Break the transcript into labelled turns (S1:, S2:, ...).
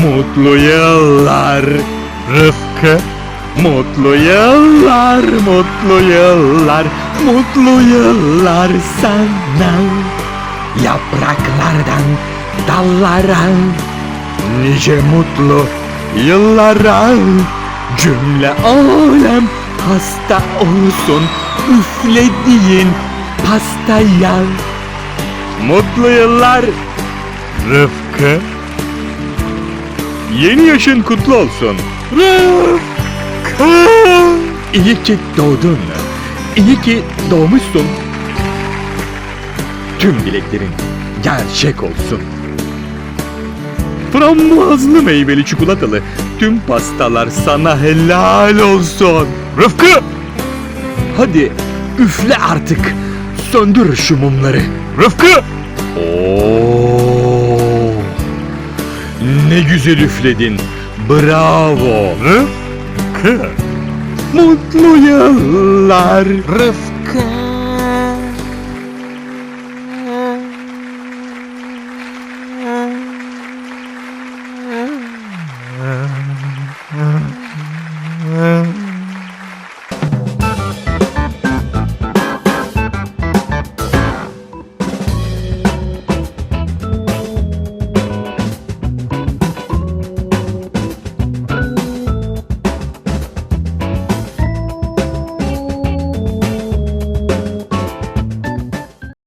S1: Mutlu yıllar Rıfkı. Mutlu yıllar, mutlu yıllar, mutlu yıllar sana. Yapraklardan dallara, nice mutlu yıllara. Cümle alem hasta olsun üflediğin pastaya. Mutlu yıllar Rıfkı. Yeni yaşın kutlu olsun Rıfkı. İyi ki doğdun. İyi ki doğmuşsun. Tüm dileklerin gerçek olsun. Frambuazlı meyveli çikolatalı tüm pastalar sana helal olsun. Rıfkı! Hadi üfle artık. Söndür şu mumları. Rıfkı! Oo! Ne güzel üfledin. Bravo. Rıfkı! Mutlu yıllar Rıfkı.